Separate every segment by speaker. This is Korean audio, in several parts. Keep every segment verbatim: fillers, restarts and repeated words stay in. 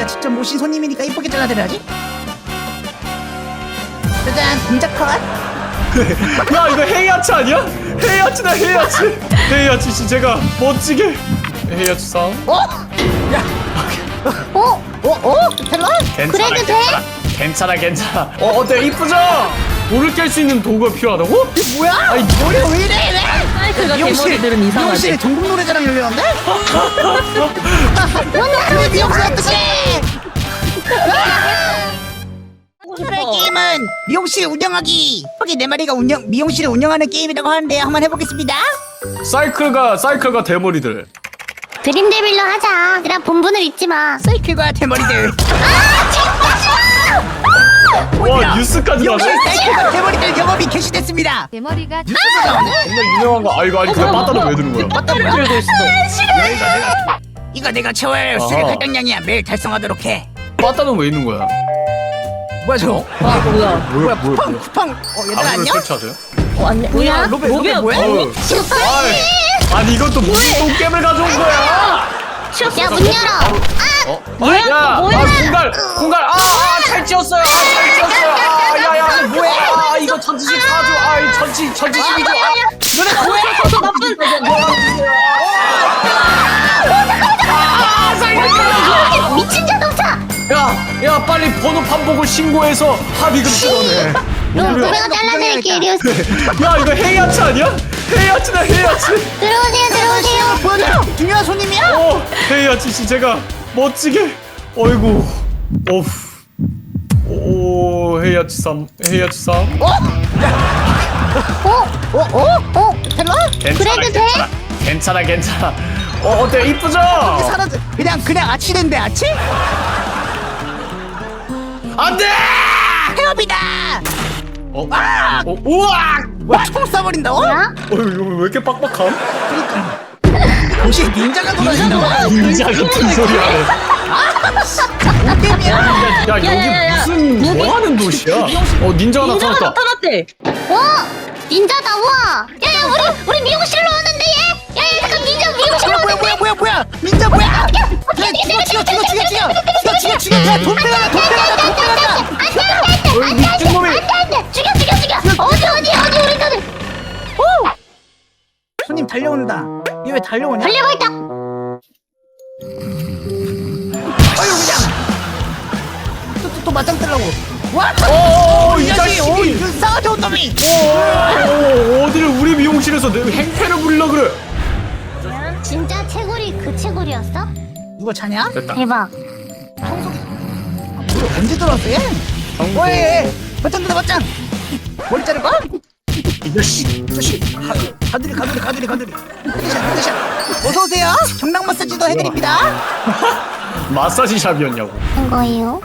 Speaker 1: 내가 직접 모신 손님이니까 이쁘게 잘라드려야지. 짜잔, 공작 컷.
Speaker 2: 야 이거 헤이아치 아니야? 헤이아치다 헤이아치. 헤이아치 씨 제가 멋지게 헤이아치 상.
Speaker 1: 어? 야. 어? 어? 어? 텔러?
Speaker 2: 괜찮아
Speaker 3: 그래도
Speaker 2: 괜찮아. 괜찮아 괜찮아. 어 어때 이쁘죠? 돌을 깰 수 있는 도구가 필요하다고?
Speaker 1: 이게 뭐야?
Speaker 2: 아이,
Speaker 1: 머리 왜 이래?
Speaker 4: 사이클과 대머리들은
Speaker 1: 미용실에
Speaker 4: 이상하지.
Speaker 1: 전국 노래자랑 열렸는데? 오늘 미용실 어떡해? 오늘의 게임은 미용실 운영하기. 여기 네 마리가 운영 미용실을 운영하는 게임이라고 하는데 한번 해보겠습니다.
Speaker 2: 사이클과 사이클과 대머리들.
Speaker 3: 드림데빌로 하자. 그냥 본분을 잊지 마.
Speaker 1: 사이클과 대머리들.
Speaker 2: 와 뉴스까지
Speaker 1: 미용실
Speaker 2: 나네.
Speaker 1: 사이클과 대머리들 영업이 개시됐습니다.
Speaker 5: 대머리가
Speaker 1: 뉴스가 나오네?
Speaker 2: 정말 유명한 거. 아 이거 아니 그냥 빠따는 왜 드는 거야?
Speaker 4: 빠따를 들고 있어.
Speaker 1: 야, 이거 내가 이거 내가 채워야 수익
Speaker 2: 아하.
Speaker 1: 할당량이야. 매일 달성하도록 해.
Speaker 2: 빠따는 왜 있는 거야?
Speaker 1: 뭐야 저거?
Speaker 4: 와 뭐야?
Speaker 1: 뭐야 쿠팡 쿠팡. 어 얘들
Speaker 2: 아무를
Speaker 1: 안녕?
Speaker 2: 설치하세요?
Speaker 4: 어 안녕.
Speaker 1: 뭐야 로베 로베
Speaker 4: 로베야,
Speaker 1: 뭐야?
Speaker 2: 어우. 아이, 아니 이것도 무슨 똥겜을 가져온 거야?
Speaker 3: 야, 문 열어.
Speaker 2: 어?
Speaker 4: 뭐야,
Speaker 2: 야,
Speaker 4: 뭐야?
Speaker 2: 아, 공갈, 공갈, 아, 아, 잘 찌었어요, 아, 잘 찌었어요, 아, 야, 야, 뭐야? 아, 이거 전지식 사줘, 아, 이 전지, 전지식이죠, 아,
Speaker 1: 너네 뭐야?
Speaker 4: 저 나쁜.
Speaker 3: 미친 자동차.
Speaker 2: 야, 야, 빨리 번호 반복을 신고해서 합의금 찍어내.
Speaker 3: 로베가 잘라드릴게. 이리 오세요.
Speaker 2: 야, 이거 헤이아치 아니야? 헤이아치다, 헤이아치.
Speaker 3: 들어오세요, 들어오세요.
Speaker 1: 뭐야? 중요한 손님이야?
Speaker 2: 어, 헤이아치 씨, 제가 멋지게, 어이구, 어후. 오, 헤이아치 삼, 헤이아치 삼.
Speaker 1: 어?
Speaker 3: 어?
Speaker 1: 어? 어? 어? 텔러?
Speaker 2: 괜찮아,
Speaker 3: 그래도 돼?
Speaker 2: 괜찮아. 괜찮아, 괜찮아. 어, 어때, 이쁘죠?
Speaker 1: 사라져. 그냥 그냥 아치된대 아치?
Speaker 2: 안 돼!
Speaker 1: 해업이다.
Speaker 2: 어?
Speaker 1: 아!
Speaker 2: 어, 우와!
Speaker 1: 뭐야 총 쏴버린다고?
Speaker 3: 뭐야?
Speaker 2: 어, 이거 왜 이렇게 빡빡함?
Speaker 1: 혹시 닌자가 돌아다니는
Speaker 2: 닌자 같은 소리 하네.
Speaker 1: 게임이야?
Speaker 2: 야, 여기
Speaker 4: 야, 야, 야.
Speaker 2: 무슨
Speaker 4: 무빙?
Speaker 2: 뭐 하는 도시야? 어, 닌자가
Speaker 4: 닌자가
Speaker 2: 나타났다.
Speaker 4: 나타났대.
Speaker 3: 와! 닌자다, 와! 야, 야, 우리, 우리 미용실로 오는데, 얘! 야, 야, 잠깐, 닌자 미용실로
Speaker 1: 뭐야
Speaker 3: 오는데!
Speaker 1: 뭐야 뭐야 뭐야 닌자 뭐야? 야 죽여 죽여 죽여 죽여 죽여 죽여 죽여 죽여 야돈 빼가자 돈 빼가자 돈 빼가자.
Speaker 3: 안 돼, 안 돼, 안 돼!
Speaker 2: 어이, 미친놈이.
Speaker 3: 안 돼, 안 돼! 죽여, 죽여, 죽여! 어디, 어디, 어디, 우리 다들!
Speaker 1: 손님 달려온다. 얘 왜 달려오냐?
Speaker 3: 달려가 있다!
Speaker 1: 아유 그냥 또또 또 맞짱 뜨려고. 와!
Speaker 2: 오,
Speaker 1: 이
Speaker 2: 이
Speaker 1: 자식! 오,
Speaker 2: 자식이.
Speaker 1: 이거 싸가지 온 놈이!
Speaker 2: 오, 어디를 우리 미용실에서 내 행패를 부리려 그래?
Speaker 3: 진짜 채굴이 그 채굴이었어?
Speaker 1: 누가 자냐?
Speaker 2: 됐다.
Speaker 3: 대박.
Speaker 1: 우리 언제 들어왔어 얘?
Speaker 2: 정보.
Speaker 1: 어이 맞짱 뜨다 맞짱! 머리 자를 거야?
Speaker 2: 이 자식.
Speaker 1: 저씨 가두리 가두리 가두리 가두리 헤드샷 헤드샷 어서오세요 경락 마사지도 해드립니다.
Speaker 2: 마사지 샵이었냐고.
Speaker 3: 한 거예요?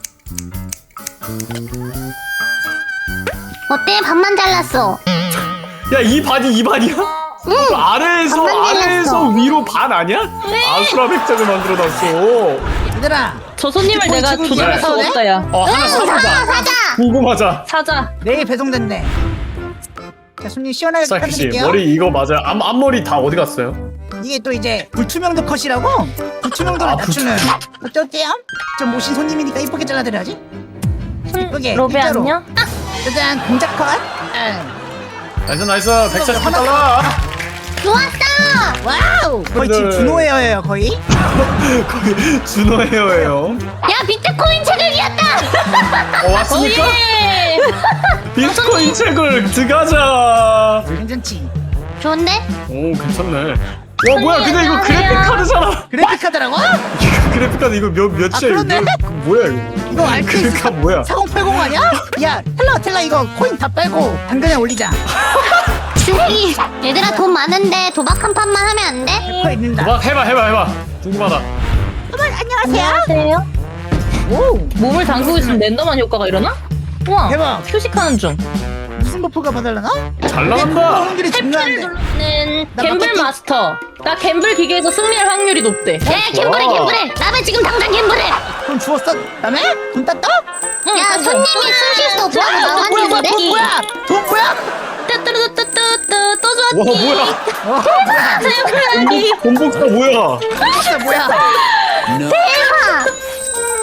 Speaker 3: 어때? 반만 잘랐어.
Speaker 2: 야, 이 반이 이 반이야?
Speaker 3: 응!
Speaker 2: 그 아래에서
Speaker 3: 반만
Speaker 2: 아래에서
Speaker 3: 잘랐어.
Speaker 2: 위로 반 아니야? 아수라 백작을 만들어놨어.
Speaker 1: 얘들아
Speaker 4: 저 손님을
Speaker 1: 뒷골
Speaker 4: 내가
Speaker 1: 치고
Speaker 4: 조절할
Speaker 1: 있어야
Speaker 4: 수
Speaker 1: 돼?
Speaker 4: 없다 야.
Speaker 2: 어, 하나
Speaker 3: 사자,
Speaker 2: 사자.
Speaker 3: 사자!
Speaker 2: 궁금하자.
Speaker 4: 사자.
Speaker 1: 내일 배송된대. 자 손님 시원하게
Speaker 2: 사이클 씨
Speaker 1: 부탁드릴게요.
Speaker 2: 머리 이거 맞아요? 앞 앞머리 다 어디 갔어요?
Speaker 1: 이게 또 이제 불투명도 컷이라고 불투명도를
Speaker 2: 아,
Speaker 1: 낮추는. 어때요? 저 모신 손님이니까 이쁘게 잘라드려야지. 이쁘게
Speaker 4: 로베
Speaker 1: 일자로.
Speaker 4: 안녕?
Speaker 1: 짜잔 공작 컷. 응.
Speaker 2: 나이스 나이스 백사십팔 달러.
Speaker 3: 좋았어!
Speaker 1: 와우 거의 지금
Speaker 2: 네.
Speaker 1: 준호 헤어예요 거의.
Speaker 2: 거기 준호 헤어예요.
Speaker 3: 야, 비트코인 채굴이었다!
Speaker 2: 어 왔습니까?
Speaker 4: 오예.
Speaker 2: 비트코인 책을 들어가자.
Speaker 1: 괜찮지?
Speaker 3: 좋은데?
Speaker 2: 오 괜찮네. 와 뭐야 근데 이거 그래픽 카드잖아.
Speaker 1: 그래픽 카드라고?
Speaker 2: 그래픽 카드 이거 몇
Speaker 1: 아,
Speaker 2: 몇이야
Speaker 1: 그러네.
Speaker 2: 이거? 뭐야 이거?
Speaker 1: 이거 알크스
Speaker 2: 그러니까 뭐야?
Speaker 1: 사공팔공 아니야? 야 텔라 텔라 이거 코인 다 빼고 당근에 올리자.
Speaker 3: 쓰레기. 얘들아, 돈 많은데 도박 한 판만 하면 안 돼?
Speaker 1: 코 있는다.
Speaker 2: 막 해봐 해봐 해봐. 궁금하다.
Speaker 1: 어머, 안녕하세요.
Speaker 4: 안녕하세요.
Speaker 1: 오
Speaker 4: 몸을 담그고 있으면 랜덤한 효과가 일어나? 우와.
Speaker 1: 대박.
Speaker 4: 휴식하는 중.
Speaker 1: 무슨 버프가 받을라나?
Speaker 2: 잘
Speaker 1: 근데 그거
Speaker 2: 나간다.
Speaker 1: 확률이
Speaker 4: 탭키를
Speaker 1: 중요한데.
Speaker 4: 누르는
Speaker 1: 나
Speaker 4: 갬블
Speaker 1: 바꿨지?
Speaker 4: 마스터. 나 갬블 기계에서 승리할 확률이 높대.
Speaker 3: 야, 갬블해, 갬블해! 나면 지금 당장 갬블해!
Speaker 1: 돈 주웠어? 다음에 돈 땄다?
Speaker 3: 야, 손님이 숨 쉴 수 없다고
Speaker 1: 돈 뭐야 뭐야
Speaker 3: 나왔는데?
Speaker 1: 돈 뭐야? 돈 뭐야?
Speaker 4: 뚜뚜뚜뚜뚜뚜 또
Speaker 2: 와
Speaker 4: 좋았니?
Speaker 2: 뭐야?
Speaker 1: 와 뭐야?
Speaker 4: 사용하니.
Speaker 2: 본복사 뭐야?
Speaker 1: 진짜 뭐야?
Speaker 3: 대박!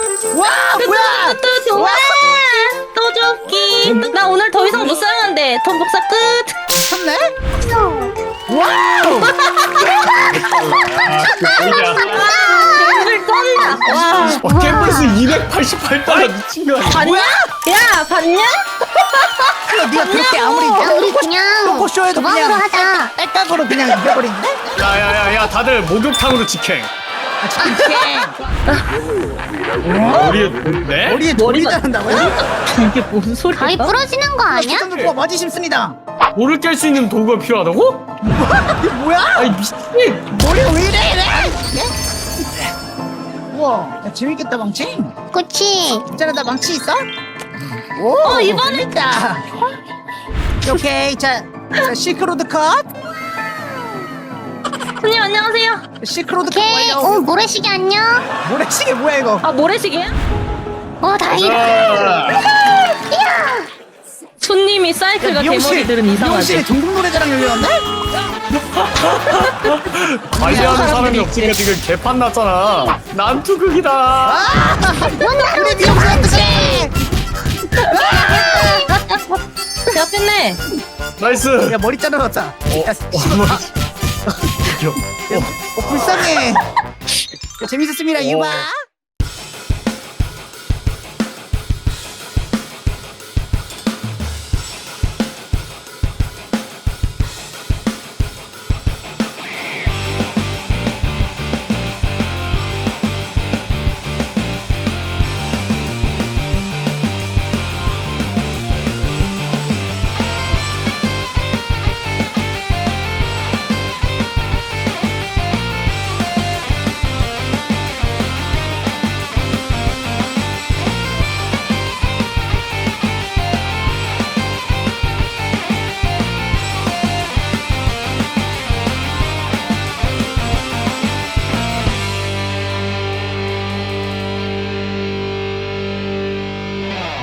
Speaker 4: 나 오늘 더 이상 못 사용한대. 돈 복사 끝.
Speaker 1: 참네? 와우!
Speaker 4: 갬블 쩐다. 와.
Speaker 2: 어, 갬블스 이백팔십팔 달러 미친 거 아니야?
Speaker 4: 봤냐? 야 봤냐?
Speaker 1: 네가 그렇게 아무리
Speaker 3: 야 우리 그냥
Speaker 1: 토크쇼에도
Speaker 3: 도박으로
Speaker 1: 그냥
Speaker 3: 하자.
Speaker 1: 딸깍으로 그냥 이겨버리는데?
Speaker 2: 야야야야 다들 목욕탕으로 직행. 머리에 네?
Speaker 1: 머리에 돌이
Speaker 4: 머리가-
Speaker 1: 자른다고요?
Speaker 4: 이게 뭔 소리야?
Speaker 3: 가위 부러지는 거 아니야?
Speaker 1: 수정 듣고 맞이 싶습니다.
Speaker 2: 돌을 깰 수 있는 도구가 필요하다고?
Speaker 1: 이게 뭐야?
Speaker 2: 아이 미친.
Speaker 1: 머리가 왜 이래 이래? 우와, 야, 재밌겠다 망치.
Speaker 3: 그치.
Speaker 1: 있잖아, 나 망치 있어? 오,
Speaker 4: 어, 이번에-
Speaker 1: 재밌다. 오케이, 자, 자 시크로드 컷.
Speaker 4: 손님 안녕하세요.
Speaker 1: 시크로드 컷
Speaker 3: 오케이. 오
Speaker 1: 완료.
Speaker 3: 모래시계 안녕.
Speaker 1: 모래시계 뭐야 이거?
Speaker 4: 아 모래시계야?
Speaker 3: 어 다행이다.
Speaker 2: 아,
Speaker 3: 야.
Speaker 4: 손님이 사이클과 대머리들은
Speaker 1: 미용실에
Speaker 4: 이상하대.
Speaker 1: 전국 노래자랑 열렸네?
Speaker 2: 관리하는 사람이
Speaker 4: 사람들이
Speaker 2: 없으니까 지금 개판 났잖아. 난투극이다.
Speaker 1: 아, 우리 미용실 어떡해?
Speaker 4: 야 뺐네.
Speaker 2: 나이스.
Speaker 1: 야 머리 자르렀다. 야,
Speaker 2: 어,
Speaker 1: 씨발,
Speaker 2: 머리.
Speaker 1: 아, 어, 불쌍해. 야, 재밌었습니다,
Speaker 2: 어.
Speaker 1: 유바.